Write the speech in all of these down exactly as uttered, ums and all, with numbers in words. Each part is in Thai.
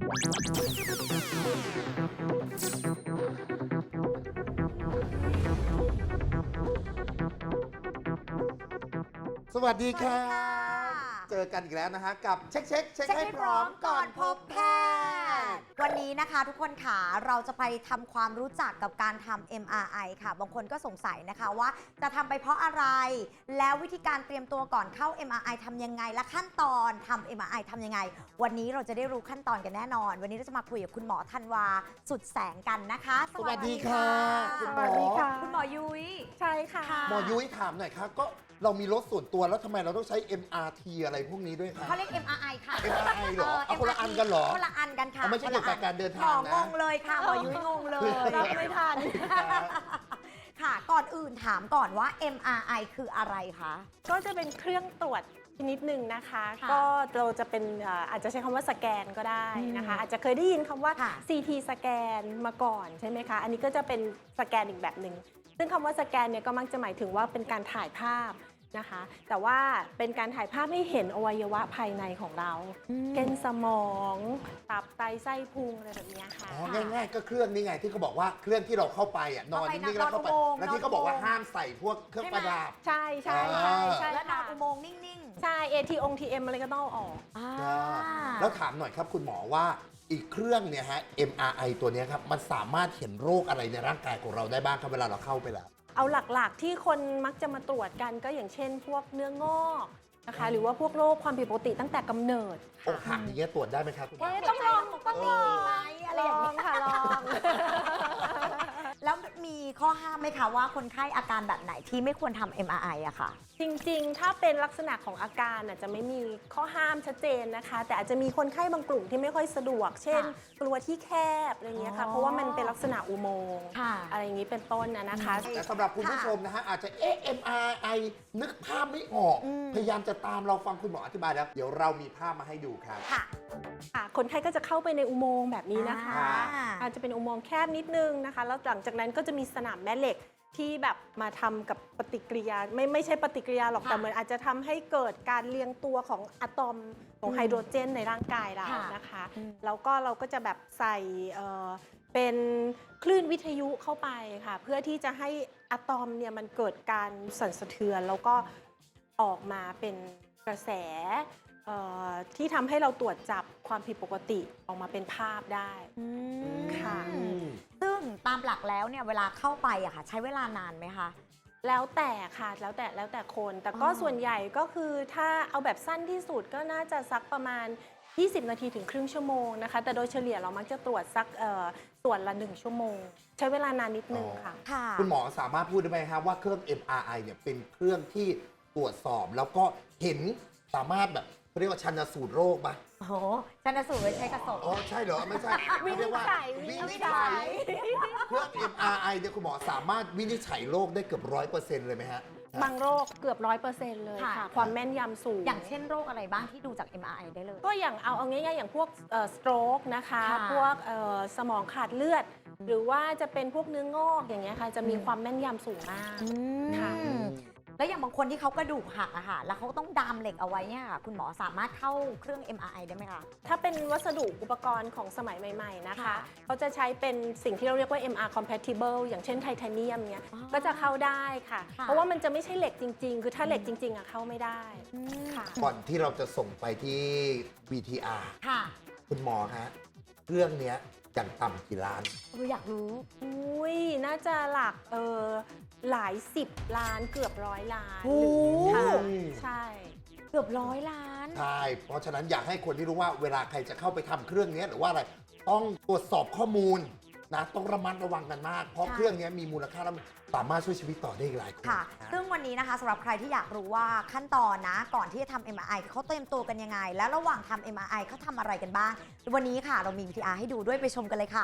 สวัสดีครับเจอกันอีกแล้วนะฮะกับเช็คเช็คเช็คให้พร้อมก่อนพบแพทย์วันนี้นะคะทุกคนค่ะเราจะไปทำความรู้จักกับการทำ เอ็ม อาร์ ไอ ค่ะบางคนก็สงสัยนะคะว่าจะทำไปเพราะอะไรแล้ววิธีการเตรียมตัวก่อนเข้า เอ็ม อาร์ ไอ ทำยังไงและขั้นตอนทำ เอ็ม อาร์ ไอ ทำยังไงวันนี้เราจะได้รู้ขั้นตอนกันแน่นอนวันนี้เราจะมาคุยกับคุณหมอธันวาสุดแสงกันนะคะสวัสดีค่ะคุณหมอคุณหมอยุ้ยใช่ค่ะหมอยุ้ยถามหน่อยครับก็เรามีรถส่วนตัวแล้วทำไมเราต้องใช้ เอ็ม อาร์ ที อะไรพวกนี้ด้วยครับเขาเรียก เอ็ม อาร์ ไอ ค่ะเอ็ม อาร์ ไอ เหรอเอาคนละอันกันเหรอคนละอันกันค่ะไม่ใช่เกี่ยวกับการเดินทางนะหมองงเลยค่ะหมอยุ้ยงงเลยรับไม่ทันค่ะก่อนอื่นถามก่อนว่า เอ็ม อาร์ ไอ คืออะไรคะก็จะเป็นเครื่องตรวจชนิดหนึ่งนะคะค่ะก็เราจะเป็นอาจจะใช้คำว่าสแกนก็ได้นะคะ อาจจะเคยได้ยินคำว่าค่ะซี ที สแกนมาก่อนใช่ไหมคะ อันนี้ก็จะเป็นสแกนอีกแบบหนึ่งซึ่งคำว่าสแกนเนี่ยก็มักจะหมายถึงว่าเป็นการถ่ายภาพนะคะ แต่ว่าเป็นการถ่ายภาพให้เห็นอวัยวะภายในของเราเช่นสมองตับไตไส้พุงอะไรแบบนี้ค่ะอ๋อง่ายๆก็เครื่องนี่ไงที่เขาบอกว่าเครื่องที่เราเข้าไปอ่ะนอนนิ่งๆแล้วเข้าไปแล้วที่เขาบอกว่าห้ามใส่พวกเครื่องประดับใช่ใช่ใช่ใช่และนอค่ะนอุโมงค์นิ่งๆใช่ เอ ที อง ที เอ็ม อะไรก็ต้องเอาออกอ่าแล้วถามหน่อยครับคุณหมอว่าอีกเครื่องเนี่ยฮะ เอ็ม อาร์ ไอ ตัวเนี้ยครับมันสามารถเห็นโรคอะไรในร่างกายของเราได้บ้างครับเวลาเราเข้าไปแล้วเอาหลักๆที่คนมักจะมาตรวจกันก็อย่างเช่น พวกเนื้องอกนะคะหรือว่าพวกโรคความผิดปกติตั้งแต่กำเนิดอกหักอย่างเงี้ยตรวจได้ไหมครับคุณหมอเอ๊ะต้องลองต้องลองไหมอะไรอย่างลนี้องค่ะลองแล้วมีข้อห้ามไหมคะว่าคนไข้อาการแบบไหนที่ไม่ควรทำ เอ็ม อาร์ ไอ อะค่ะจริงๆ ถ้าเป็นลักษณะของอาการน่ะจะไม่มีข้อห้ามชัดเจนนะคะ แต่อาจจะมีคนไข้บางกลุ่มที่ไม่ค่อยสะดวก เช่น กลัวที่แคบอะไรเงี้ยค่ะอ๋อเพราะว่ามันเป็นลักษณะอุโมงค์ค่ะอะไรอย่างนี้เป็นต้นนะนะคะแต่สำหรับคุณผู้ชมนะฮะอาจจะเอ๊ะ เอ็ม อาร์ ไอ นึกภาพไม่ออกอืมพยายามจะตามเราฟังคุณหมออธิบายแล้ว เดี๋ยวเรามีภาพมาให้ดูครับค่ะค่ะคนไข้ก็จะเข้าไปในอุโมงค์แบบนี้นะคะอ่าอาจจะเป็นอุโมงค์แคบนิดนึงนะคะ แล้วหลังจากนั้นก็จะมีสนามแม่เหล็กที่แบบมาทำกับปฏิกิริยาไม่ไม่ใช่ปฏิกิริยาหรอกค่ะแต่เหมือนอาจจะทำให้เกิดการเรียงตัวของอะตอมของอืมไฮโดรเจนในร่างกายเราค่ะนะคะอืมแล้วก็เราก็จะแบบใส่เอ่อเป็นคลื่นวิทยุเข้าไปค่ะ เพื่อที่จะให้อะตอมเนี่ยมันเกิดการสั่นสะเทือน แล้วก็ออกมาเป็นกระแสเอ่อที่ทำให้เราตรวจจับความผิดปกติออกมาเป็นภาพได้อืมค่ะซึ่งตามหลักแล้วเนี่ยเวลาเข้าไปอะค่ะ ใช้เวลานานไหมคะแล้วแต่ค่ะแล้วแต่แล้วแต่คน แต่ก็อ๋อส่วนใหญ่ก็คือถ้าเอาแบบสั้นที่สุดก็น่าจะสักประมาณ ยี่สิบ นาทีถึงครึ่งชั่วโมงนะคะ แต่โดยเฉลี่ยเรามักจะตรวจสักเอ่อส่วนละหนึ่งชั่วโมง ใช้เวลานานนิดนึงค่ะค่ะคุณหมอสามารถพูดได้ไหมครับว่าเครื่อง เอ็ม อาร์ ไอ เนี่ยเป็นเครื่องที่ตรวจสอบแล้วก็เห็นสามารถแบบเขาเรียกว่าชันสูตรโรคปะโอ้โหชันสูตรไว้ใช้กระสอบอ๋อใช่เหรอไม่ใช่วินิจฉัยวิวินินิจจฉัฉัยยเครื่อง เอ็ม อาร์ ไอ เนี่ยคุณหมอสามารถวินิจฉัยโรคได้เกือบร้อยเปอร์เซ็นต์เลยไหมฮะบางโรคเกือบร้อยเปอร์เซ็นต์เลยค่ะค่ะ ความแม่นยำสูงอย่างเช่นโรคอะไรบ้างที่ดูจาก เอ็ม อาร์ ไอ ได้เลยก็อย่างเอาเอาง่ายๆอย่างพวกสโตรกนะคะค่ะพวกเอ่อสมองขาดเลือด หรือว่าจะเป็นพวกเนื้องอกอย่างเงี้ยค่ะจะมีอืมความแม่นยำสูงมาก ค่ะอืมแล้วอย่างบางคนที่เขากระดูกหักอะค่ะ แล้วเขาต้องดามเหล็กเอาไว้เนี่ยค่ะคุณหมอสามารถเข้าเครื่อง เอ็ม อาร์ ไอ ได้ไหมคะถ้าเป็นวัสดุอุปกรณ์ของสมัยใหม่ๆนะคะค่ะเขาจะใช้เป็นสิ่งที่เราเรียกว่า เอ็ม อาร์ compatible อย่างเช่นไทเทเนียมเนี้ยอ๋อก็จะเข้าได้ค่ะค่ะเพราะว่ามันจะไม่ใช่เหล็กจริงๆ คือถ้าเหล็กจริงๆอะเข้าไม่ได้ ค่ะก่อนที่เราจะส่งไปที่ บี ที อาร์ค่ะคุณหมอฮะเครื่องเนี้ยอย่างต่ำกี่ล้านเราอยากรู้อุ้ยน่าจะหลักเออหลายสิบล้านเกือบร้อยล้านโอ้ค่ะใช่เกือบร้อยล้านใช่ เพราะฉะนั้นอยากให้คนที่รู้ว่าเวลาใครจะเข้าไปทำเครื่องนี้หรือว่าอะไรต้องตรวจสอบข้อมูลนะต้องระมัดระวังกันมาก เพราะค่ะเครื่องนี้มีมูลค่าและสามารถช่วยชีวิตต่อได้อีกหลายคนค่ะนะซึ่งวันนี้นะคะสำหรับใครที่อยากรู้ว่าขั้นตอนนะ ก่อนที่จะทำ เอ็ม อาร์ ไอ เขาเตรียมตัวกันยังไง และระหว่างทำ เอ็ม อาร์ ไอ เขาทำอะไรกันบ้าง วันนี้ค่ะเรามี วี ที อาร์ ให้ดูด้วยไปชมกันเลยค่ะ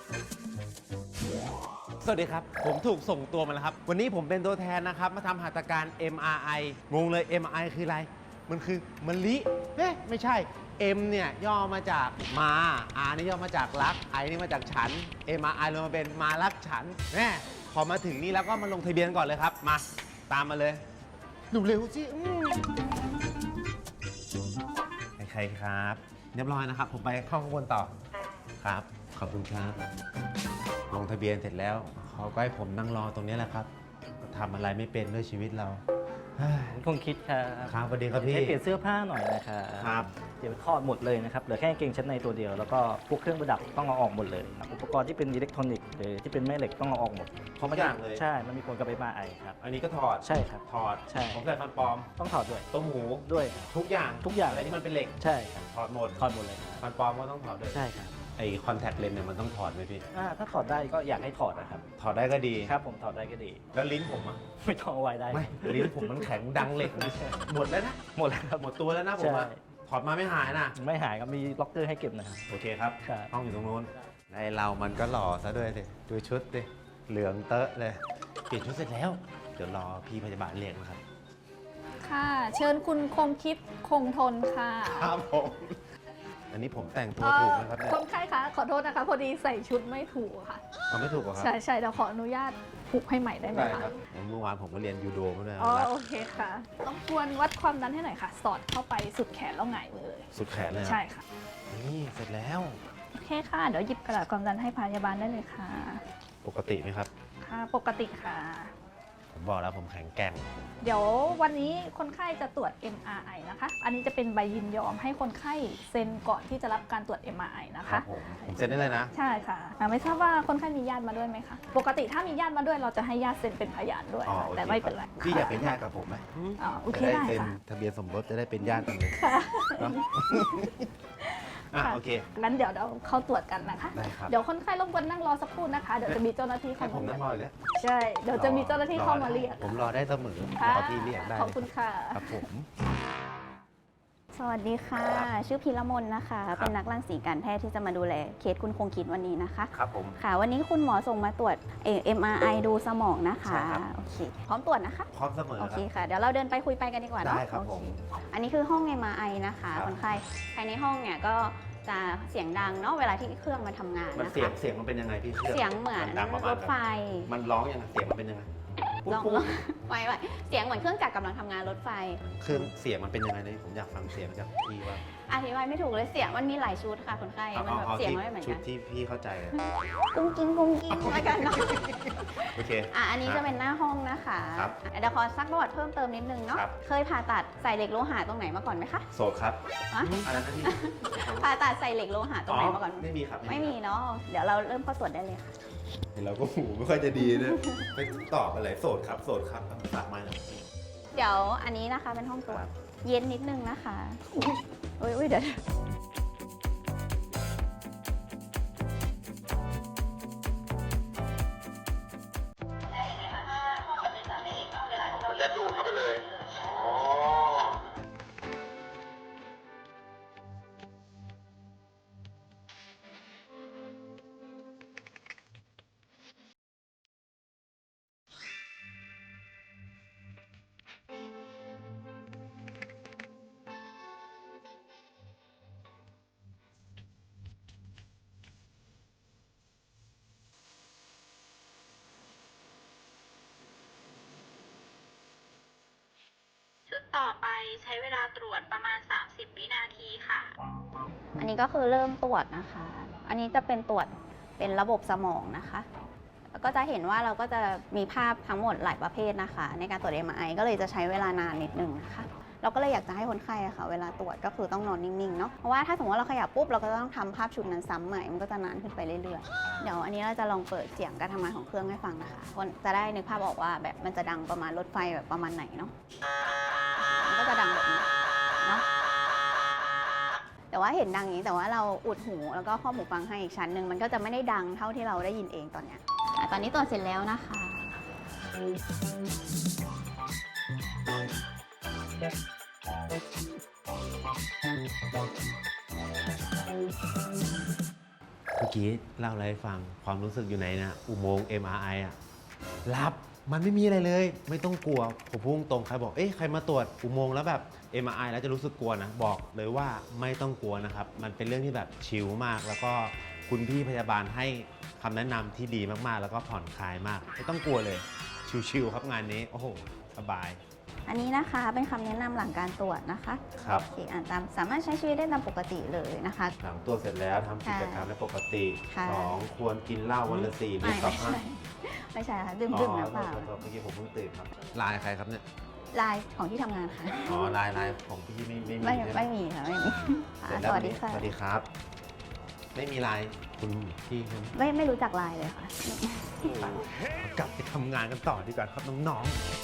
สวัสดีครับ ผมถูกส่งตัวมาแล้วครับ วันนี้ผมเป็นตัวแทนนะครับ มาทำหัตถการ เอ็ม อาร์ ไอ งงเลย เอ็ม อาร์ ไอ คืออะไร มันคือมะลิเอ๊ะไม่ใช่ M เนี่ยย่อมาจากมา R นี่ย่อมาจากรัก I นี่มาจากฉัน เอ็ม อาร์ ไอ รวมมาเป็นมารักฉันแน่พอมาถึงนี่แล้วก็มาลงทะเบียนก่อนเลยครับ มาตามมาเลยเร็วๆสิอืมใครๆครับ เรียบร้อยนะครับ ผมไปเข้าข้างบนต่ออ่าครับ ขอบคุณครับ ลงทะเบียนเสร็จแล้ว เขาก็ให้ผมนั่งรอตรงนี้แหละครับก็ทำอะไรไม่เป็นด้วยชีวิตเราเฮ้ยคงคิดครับครับสวัสดีครับพี่ให้เปลี่ยนเสื้อผ้าหน่อยนะครับครับเดี๋ยวถอดหมดเลยนะครับ เหลือแค่กางเกงชั้นในตัวเดียว แล้วก็พวกเครื่องประดับต้องเอาออกหมดเลยครับอุปกรณ์ที่เป็นอิเล็กทรอนิกส์หรือที่เป็นแม่เหล็กต้องเอาออกหมดทุกอย่างเลยใช่ มันมีผลกับ เอ็ม อาร์ ไอ ครับอันนี้ก็ถอดใช่ครับถอดใช่ผมใส่ฟันปลอมต้องถอดด้วยต้มหูด้วยครับทุกอย่างทุกอย่างอะไรที่มันเป็นเหล็กใช่ครับถอดหมดถอดหมดเลยครับฟันปลอมก็ต้องถอดด้วยใช่ครับไอ้คอนแทคเลนส์เนี่ยมันต้องถอดไหมพี่อ่าถ้าถอดได้ก็อยากให้ถอดนะครับถอดได้ก็ดีครับผมถอดได้ก็ดีแล้วลิ้นผมอะไม่ต้องเอาไว้ได้ไม่ ลิ้นผมมันแข็งดังเหล็กนะหมดแล้วนะหมดแล้วครับหมดตัวแล้วนะผมอะใช่ถอดมาไม่หายนะไม่หายครับ มีล็อกเกอร์ให้เก็บนะครับโอเคครับครับห้องอยู่ตรงนู้นไอเรามันก็หล่อซะด้วยสิดูชุดดิ เหลืองเตอะเลย เปลี่ยนชุดเสร็จแล้ว เดี๋ยวรอพี่พยาบาลเรียกนะครับค่ะ เชิญคุณคงคิดคงทนค่ะครับผม อันนี้ผมแต่งตัวเอ่ถูกอไหมครับเนี่ยคนไข้คะ ขอโทษนะคะ พอดีใส่ชุดไม่ถูกค่ะทำไม่ถูกเหรอครับใช่ใช่เดี๋ยวขออนุญาตผูกให้ใหม่ได้ไหมได้คะครับเมื่อวานผมก็เรียนยูโดมาด้วยอ๋อรัดโอเคค่ะ ต้องควรวัดความดันให้หน่อยค่ะ สอดเข้าไปสุดแขนแล้วหงายมือเลยสุดแขนเลยใช่ค่ะนี่เสร็จแล้วโอเคค่ะ เดี๋ยวหยิบกระดาษความดันให้พยาบาลได้เลยค่ะปกติไหมครับค่ะ ปกติค่ะผมบอกแล้วผมแข็งแกร่งเดี๋ยววันนี้คนไข้จะตรวจ เอ็ม อาร์ ไอ นะคะ อันนี้จะเป็นใบยินยอมให้คนไข้เซ็นก่อนที่จะรับการตรวจ เอ็ม อาร์ ไอ นะครัคะบผม ผมเซ็นได้เลยนะใช่ค่ะอ่าไม่ทราบว่าคนไข้มีญาติมาด้วยไหมคะ ปกติถ้ามีญาติมาด้วยเราจะให้ญาติเซ็นเป็นพยานด้วยอ๋อค่ะโอเคแต่ไม่เป็นไรครับพี่อยากเป็นญาติกับผมไหมอ๋อโอเคจะได้ได้เซ็นค่ะทะเบียนสมรสจะได้เป็นญาติกันเลยค่ะเนอะ อ่ะค่ะโอเคงั้นเดี๋ยวเราเข้าตรวจกันนะคะได้ครับเดี๋ยวคนไข้รบกวนนั่งรอสักครู่นะคะ เดี๋ยวจะมีเจ้าหน้าที่ให้เข้าผมมานั่งรออยู่แล้วใช่ เดี๋ยวจะมีเจ้าหน้าที่เข้ามาเรียกผมรอได้เสมอค่ะรอพี่เรียกได้ขอบคุณค่ะครับผมสวัสดีค่ะครับชื่อพีระมนนะคะครับเป็นนักรังสีการแพทย์ที่จะมาดูแลเคสคุณคงคิดวันนี้นะคะครับผมค่ะ วันนี้คุณหมอส่งมาตรวจเอ็มอาร์ไอดูสมองนะคะใช่ครับโอเค พร้อมตรวจนะคะพร้อมเสมอโอคเครับค่ะ เดี๋ยวเราเดินไปคุยไปกันดีกว่าเนาะได้ครับโอเผมอันนี้คือห้อง เอ็ม อาร์ ไอ นะคะครับคนไข้ภายในห้องเนี่ยก็จะเสียงดังเนาะ เวลาที่เครื่องมันทำงานมันนะเสียงคะเสียงมันเป็นยังไงพี่เสียงเหมือนดังประมาร ณถไฟมันร้องยังไงเสียงมันเป็นยังไงปุ๊บลองปุ๊บลองไว้ไว้เสียงเหมือนเครื่องจักรกำลังทำงานรถไฟเครื่องเสียงมันเป็นยังไงเลยผมอยากฟังเสียงจากพี่ว่าอธิบายไม่ถูกเลยเสียงมันมีหลายชุดค่ะคนไข้เอามันเอาแบบเอาเสียงที่ไม่เหมือนชุกัดนที่พี่เข้าใจอะกุ้งกิ้งกุ้งกิ้งแล้วกันเนาะโอเคอ่ะอันนี้จะเป็นหน้าห้องนะคะครับอ่ะเดี๋ยวขอซักประวัติเพิ่มเติมนิดนึงเนาะครับเคยผ่าตัดใส่เหล็กโลหะตรงไหนมาก่อนไหมคะโสดครับอะอะไรนะพี่ผ่าตัดใส่เหล็กโลหะตรงไหนมาก่อนไม่มีครับไม่มีเนาะ เดี๋ยวเราเริ่มเข้าตรวจได้เลยค่ะเห็นเราก็หูไม่ค่อยจะดีนะไปตอบอะไรโสดครับโสดครับฝากมาหน่อยเดี๋ยวอันนี้นะคะเป็นห้องตรวจ เย็นนิดนึงนะคะ อุ้ยอุ้ยอุ้ยเดี๋ยวจะดูดเข้าไปเลย อ๋อชุดต่อไปใช้เวลาตรวจประมาณ สามสิบ วินาทีค่ะอันนี้ก็คือเริ่มตรวจนะคะ อันนี้จะเป็นตรวจเป็นระบบสมองนะคะ แล้วก็จะเห็นว่าเราก็จะมีภาพทั้งหมดหลายประเภทนะคะ ในการตรวจ เอ็ม อาร์ ไอ ก็เลยจะใช้เวลานานนิดนึงนะคะ เราก็เลยอยากจะให้คนไข้อะค่ะ เวลาตรวจก็คือต้องนอนนิ่งๆเนาะ เพราะว่าถ้าสมมติว่าเราขยับปุ๊บเราก็ต้องทำภาพชุดนั้นซ้ำใหม่ มันก็จะนานขึ้นไปเรื่อยๆ เดี๋ยวอันนี้เราจะลองเปิดเสียงการทำงานของเครื่องให้ฟังนะคะคนจะได้นึกภาพออกว่าแบบมันจะดังประมาณรถไฟแบบประมาณไหนเนาะ มันก็จะดังแบบนี้เนาะ แต่ว่าเห็นดังอย่างนี้แต่ว่าเราอุดหูแล้วก็ครอบหูฟังให้อีกชั้นหนึ่งมันก็จะไม่ได้ดังเท่าที่เราได้ยินเองตอนเนี้ยอ่ะตอนนี้ตรวจเสร็จแล้วนะคะเมื่อกี้เล่าอะไรให้ฟังความรู้สึกอยู่ไหนนะอุโมงค์ เอ็ม อาร์ ไอ อ่ะรับมันไม่มีอะไรเลย ไม่ต้องกลัวผมพุ่งตรงใครบอกเอ๊ะใครมาตรวจอุโมงค์แล้วแบบ เอ็ม อาร์ ไอ แล้วจะรู้สึกกลัวนะบอกเลยว่าไม่ต้องกลัวนะครับมันเป็นเรื่องที่แบบชิลมาก แล้วก็คุณพี่พยาบาลให้คำแนะนำที่ดีมากๆ แล้วก็ผ่อนคลายมากไม่ต้องกลัวเลยชิลๆครับงานนี้โอ้โหสบายอันนี้นะคะเป็นคำแนะนำหลังการตรวจนะคะครับโอเคอ่านตามสามารถใช้ชีวิตได้ตามปกติเลยนะคะหลังตรวจเสร็จแล้วทำกิจกรรมได้ปกติค่ะสองควรกินเหล้าวันละสี่ลิไม่ตรต่อไม่ห้าใช่ไม่ใช่ค่ะดื่มอ๋อดื่มน้ำเปล่าโทษโทษเมื่อกี้ผมเพิ่งตื่นครับไลน์ใครครับเนี่ยลายของที่ทำงานค่ะอ๋อไลน์ไลน์ของพี่ไม่ไม่มีไม่ใช่หไม่มีค่ะไม่มีเสร็จสแล้ววัสดีค่ะสวัสดีครับ ไม่มีไลน์คุณพี่ใช่ไหมไม่ไม่รู้จักลายเลยค่ะกลับไปทำงานกันต่อดีกว่าครับน้อง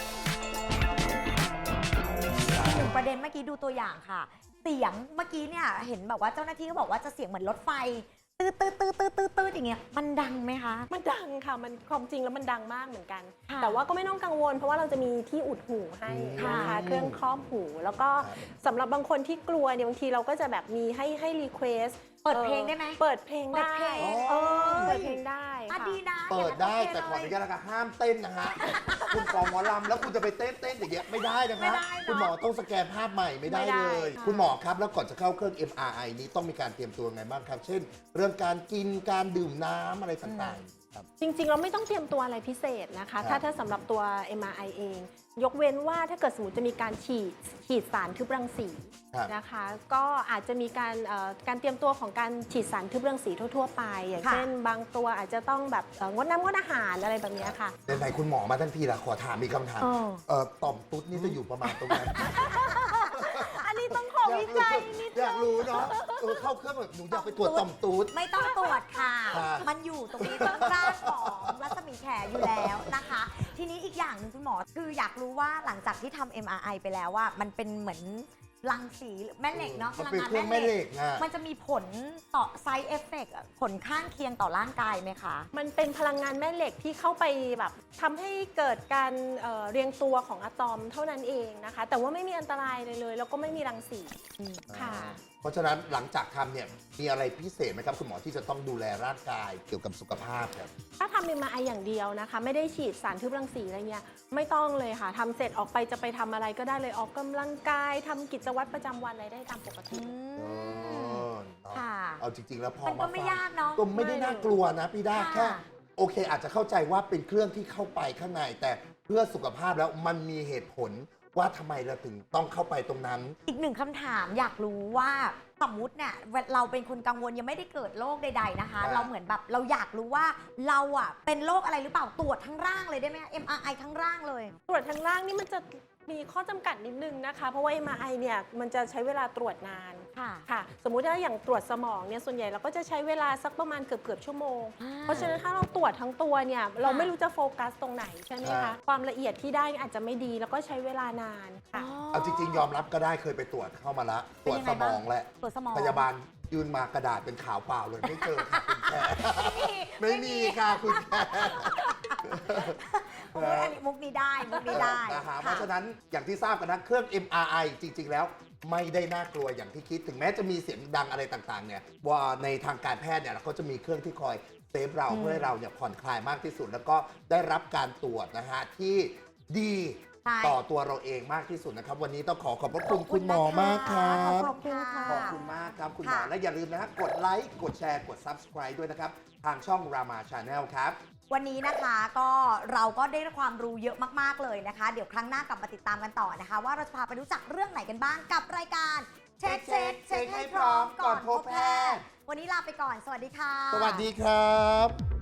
ถึงประเด็นเมื่อกี้ดูตัวอย่างค่ะ เสียงเมื่อกี้เนี่ยเห็นแบบว่าเจ้าหน้าที่เขาบอกว่าจะเสียงเหมือนรถไฟตืดตืดตืดตืดตืดตืดอย่างเงี้ยมันดังไหมคะมันดังค่ะ มันความจริงแล้วมันดังมากเหมือนกันค่ะแต่ว่าก็ไม่ต้องกังวล เพราะว่าเราจะมีที่อุดหูให้นะคะค่ะเครื่องครอบหู แล้วก็สำหรับบางคนที่กลัวเนี่ยบางทีเราก็จะแบบมีให้ให้รีเควสเปิดเพลงได้ไหมเปิดเพลงเปิดได้เพลงเออเอ้ยเปิดเพลงได้อ่ะค่ะดีนะเปิดได้อย่างแต่นั้นขออนุญาตนะคะห้ามเต้นนะฮะ คุณกองหมอลำแล้วคุณจะไปเต้นเต้นอย่างเงี้ยไม่ได้นะไม่คะได้เนอะคุณหมอต้องสแกนภาพใหม่ไม่ได้ไม่ได้เลยค่ะคุณหมอครับแล้วก่อนจะเข้าเครื่อง เอ็ม อาร์ ไอ นี้ต้องมีการเตรียมตัวไงบ้างครับ เช่น เรื่องการกินการดื่มน้ำอะไรต่างๆครับจริงๆ เราไม่ต้องเตรียมตัวอะไรพิเศษนะครัคะบถ้าถ้าสำหรับตัว เอ็ม อาร์ ไอ เอง ยกเว้นว่าถ้าเกิดสมมติจะมีการฉีดฉีดสารทึบรังสีครับนะคะ ก็อาจจะมีการเอ่อการเตรียมตัวของการฉีดสารทึบรังสีทั่วๆ ไป อย่างค่ะเช่น บางตัวอาจจะต้องแบบเอ่องดน้ำงดอาหารอะไรแบบเนี้ยค่ะไหนๆคุณหมอมาทั้งทีละขอถามมีกคำถามเออเอ่อต่อมตุ๊ดนี่จะอยู่ประมาณตรงไหนอันนี้ต้องขอวิจัยนิดอยากรู้เนาะเออเข้าเครื่องแบบหนูอยากไปตรวจต่อมตุ๊ดไม่ต้องตรวจค่ะครับมันอยู่ตรงนี้ข้างๆของรัศมีแขอยู่แล้วนะคะ ทีนี้อีกอย่างหนึ่งคุณหมอคืออยากรู้ว่าหลังจากที่ทำ เอ็ม อาร์ ไอ ไปแล้วว่ามันเป็นเหมือนรังสีแม่เหล็กเนาะพมันลังเป็นงานเครื่องแม่แม่เหเหล็ล็กกอ่ะมันจะมีผลต่อ side effect อะผลข้างเคียงต่อร่างกายไหมคะมันเป็นพลังงานแม่เหล็กที่เข้าไปแบบทำให้เกิดการเอ่อเรียงตัวของอะตอมเท่านั้นเองนะคะ แต่ว่าไม่มีอันตรายเลยเลย แล้วก็ไม่มีรังสีค่ะเพราะฉะนั้นหลังจากทำเนี่ยมีอะไรพิเศษไหมครับคุณหมอที่จะต้องดูแลร่างกายเกี่ยวกับสุขภาพครับถ้าทำ เอ็ม อาร์ ไอ อย่างเดียวนะคะ ไม่ได้ฉีดสารทึบรังสีอะไรเงี้ยไม่ต้องเลยค่ะทำเสร็จออกไปจะไปทำอะไรก็ได้เลยออกกำลังกายทำกิจวัตรประจำวันอะไรได้ตามปกติอืม ค่ะเอาจริง ๆ แล้วพอมันก็มาไม่ฟังยากเนาะก็ไม่ได้น่ากลัวนะพี่ด้าค่ะแค่โอเค อาจจะเข้าใจว่าเป็นเครื่องที่เข้าไปข้างใน แต่เพื่อสุขภาพแล้วมันมีเหตุผลว่าทำไมเราถึงต้องเข้าไปตรงนั้นอีกหนึ่งคำถามอยากรู้ว่าสมมุติเนี่ยเราเป็นคนกังวลยังไม่ได้เกิดโรคใดๆนะคะครับเราเหมือนแบบเราอยากรู้ว่าเราอะเป็นโรคอะไรหรือเปล่าตรวจทั้งร่างเลยได้ไหม เอ็ม อาร์ ไอ ทั้งร่างเลยตรวจทางล่างนี่มันจะมีข้อจำกัดนิดนึงนะคะ เพราะว่า เอ็ม อาร์ ไอ เนี่ยมันจะใช้เวลาตรวจนานค่ะค่ะ สมมุติถ้าอย่างตรวจสมองเนี่ยส่วนใหญ่เราก็จะใช้เวลาสักประมาณเกือบเกือบๆชั่วโมงอ่าเพราะฉะนั้นถ้าเราตรวจทั้งตัวเนี่ยเราค่ะไม่รู้จะโฟกัสตรงไหนใช่ไหมครัคะบความละเอียดที่ได้อาจจะไม่ดีแล้วก็ใช้เวลานานค่ะเอาจริง ๆ ยอมรับก็ได้เคยไปตรวจเข้ามาละตเป็นรวจยังสไงมบ้างองแหละตรวจสมองพยาบาลยืนมากระดาษเป็นขาวเปล่าเลยไม่เจอค่ะคุณแค่ไม่ไม่มีมีค่ะคุณแค่โอ้ยอันนี้มุกนี้ได้มุกนี้ได้นะฮะเพค่ะราะฉะนั้นอย่างที่ทราบกันนะเครื่อง เอ็ม อาร์ ไอ จริง ๆ แล้วไม่ได้น่ากลัวอย่างที่คิดถึงแม้จะมีเสียงดังอะไรต่างๆเนี่ยว่าในทางการแพทย์เนี่ยเขาจะมีเครื่องที่คอยเซฟเราอืมเพื่อให้เราเนี่ยผ่อนคลายมากที่สุด แล้วก็ได้รับการตรวจนะฮะที่ดีใช่ต่อตัวเราเองมากที่สุดนะครับ วันนี้ต้องขอขอบพระคุณคุณหมอมากครัขบอบคุณค่ะขอบคุณมากครับคุณหมอค่ะและอย่าลืมนะฮะกดไลค์กดแชร์กด Subscribe ด้วยนะครับทางช่อง Rama Channel ครับวันนี้นะคะก็เราก็ได้ความรู้เยอะมากๆเลยนะคะ เดี๋ยวครั้งหน้ากลับมาติดตามกันต่อนะคะ ว่าเราจะพาไปรู้จักเรื่องไหนกันบ้างกับรายการเช็คเช็คเช็คให้พร้อมก่อนพบแพทย์วันนี้ลาไปก่อนสวัสดีค่ะสวัสดีครับ